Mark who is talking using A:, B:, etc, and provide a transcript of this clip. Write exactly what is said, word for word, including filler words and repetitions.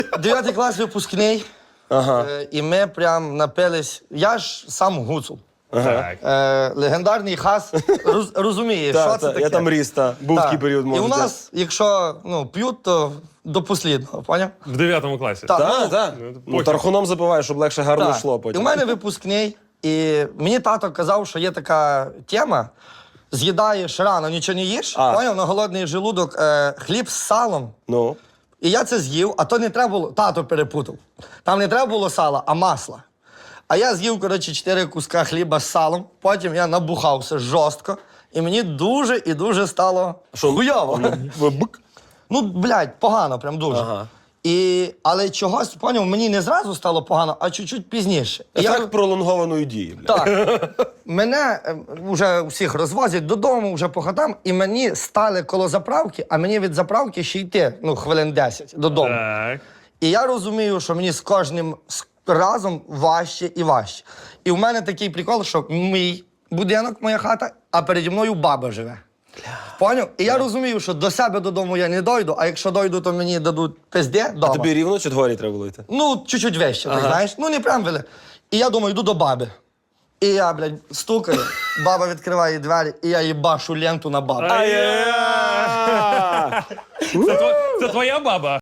A: Дев'ятий клас випускний,
B: Ага.
A: е, і ми прям напились. Я ж сам гуцул.
C: Так.
A: Е, легендарний хас роз, розуміє,
B: Та,
A: що це
B: та,
A: таке.
B: я там ріс, та. Був
A: Так.
B: такий період,
A: І
B: може.
A: у нас, якщо ну, п'ють, то до послідного, поняв?
C: В дев'ятому класі.
A: Так.
B: Так,
A: ну,
B: так.
C: ну,
B: Ну,
C: похер.
B: тархуном запиваєш, щоб легше гарно
A: Так.
B: йшло
A: І
B: потім.
A: у мене випускний, і мені тато казав, що є така тема, з'їдаєш рано, нічого не їш,
B: А.
A: поняв, на голодний желудок, е, хліб з салом.
B: Ну.
A: І я це з'їв, а то не треба було, тато перепутав. Там не треба було сала, а масла. А я з'їв, коротше, чотири куска хліба з салом, потім я набухався жорстко, і мені дуже і дуже стало хуйово.
B: Бик.
A: Ну, блядь, погано, прям дуже.
B: Ага.
A: І, але чогось, поняв, мені не зразу стало погано, а чуть-чуть пізніше. І я-
B: Ефект пролонгованої дії, бля.
A: так. Мене е, вже всіх розвозять додому, вже по хатам, і мені стали коло заправки, а мені від заправки ще йти, ну, хвилин десять додому.
C: Так.
A: І я розумію, що мені з кожним з- разом важче і важче. І в мене такий прикол, що мій будинок, моя хата, а переді мною баба живе. Поняв? І я розумію, що до себе додому я не дойду, а якщо дойду, то мені дадуть пизде
B: А
A: дома.
B: тобі рівно чи дворі треба було йти?
A: Ну, чуть-чуть вище, так
B: Ага.
A: знаєш. Ну, не прям веле. І я думаю, йду до баби. І я, блядь, стукаю, баба відкриває двері, і я їбашу ленту на бабу.
B: Ай-яй-яй!
C: Це, тво- це твоя баба?